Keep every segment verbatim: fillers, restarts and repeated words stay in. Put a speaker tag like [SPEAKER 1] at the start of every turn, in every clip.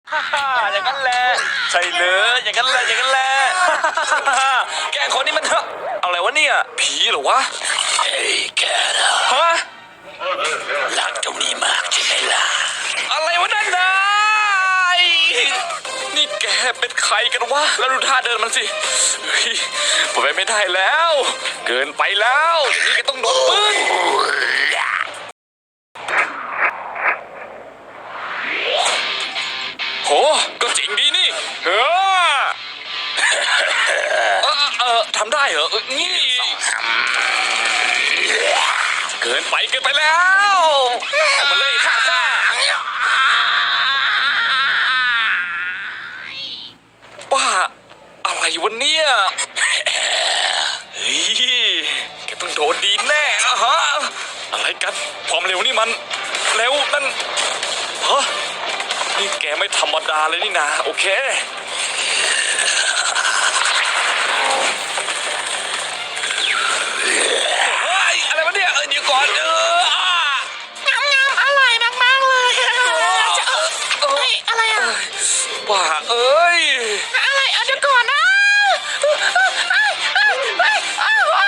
[SPEAKER 1] ฮ่าฮ่าอย่างนั้นแหละใช่เลยอย่างนั้นแหละอย่างนั้นแหละแกคนนี้มันเถอะอะไรวะเนี่ยผีเหรอวะ
[SPEAKER 2] เฮ้ยแกนะ
[SPEAKER 1] ฮะ
[SPEAKER 2] รักตรงนี้มากใช่ไหมล่ะ
[SPEAKER 1] อะไรวะนั่นนายนี่แกเป็นใครกันวะแล้วดูท่าเดินมันสิเฮ้ยผมไปไม่ได้แล้ว เกินไปแล้วอย่างนี้แกต้องโดนปืนโหก็จริงดีนี่เออเออเออทำได้เหรอเออนี่เกินไปเกินไปแล้วเอามาเลยข้าข้าบ้าอะไรวะเนี่ยเฮ้ยแกต้องโดนดีแน่อะฮะอะไรกันความเร็วนี่มันเร็วนั่นฮะนี่แกไม่ธรรมดาเลยนี่นะโอเคเฮ้ยอะไรวะเนี่ยเออเดี๋ยวก่อนเอออ่ะ
[SPEAKER 3] งามงามอร่อยมากๆเลยจะเออเฮ้ยอะไรอ่ะ
[SPEAKER 1] บ้าเอ้ย
[SPEAKER 3] อะไรเอาเดี๋ยวก่อนนะเอ้ยเอ้ยเอ้ยเอ้ยเอ้ยอ้าว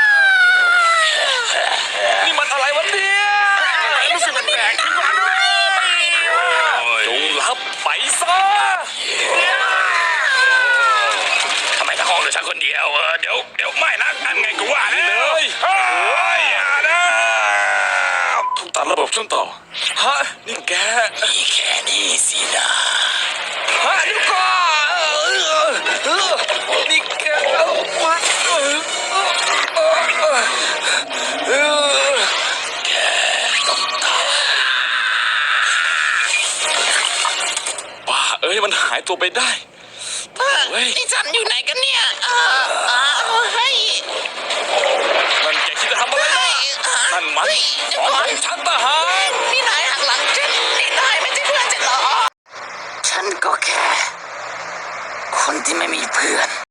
[SPEAKER 1] นี่มันอะไรวะเนี่ยรู้สึกแปลกๆขึ้นมาด้วยจงรับไปซะ
[SPEAKER 2] ทำไมทั้งห้องเหลือฉันคนเดียวเออเดี๋ยวเดี๋ยวไม่นะนั่นไงกูว่าแล้ว
[SPEAKER 1] เลย
[SPEAKER 2] เฮ้ยอย่านะ
[SPEAKER 1] ถูกตัดระบบช่วงต่อฮะนี่แก
[SPEAKER 2] มีแค่นี้สินะ
[SPEAKER 1] ฮะเดี๋ยวก่อนเออเออนี่แกเอามาเออเออเออเออเออ
[SPEAKER 2] แกต้องตาย
[SPEAKER 1] บ้าเอ้ยมันหายตัวไปได้เฮ้ย
[SPEAKER 3] นี่ฉันอยู่ไหนกันเนี่ยเออเออเฮ้ย
[SPEAKER 1] นั่นแกคิดจะทำอะไรนะนั่นมัน
[SPEAKER 3] เฮ้ยเดี๋ยว
[SPEAKER 1] ข
[SPEAKER 3] ก่
[SPEAKER 1] อ
[SPEAKER 3] อน
[SPEAKER 1] งฉันทหาร
[SPEAKER 3] นี่นายหักหลังฉันนี่นายไม่ใช่เพื่อนฉันเหรอฉันก็แค่คนที่ไม่มีเพื่อน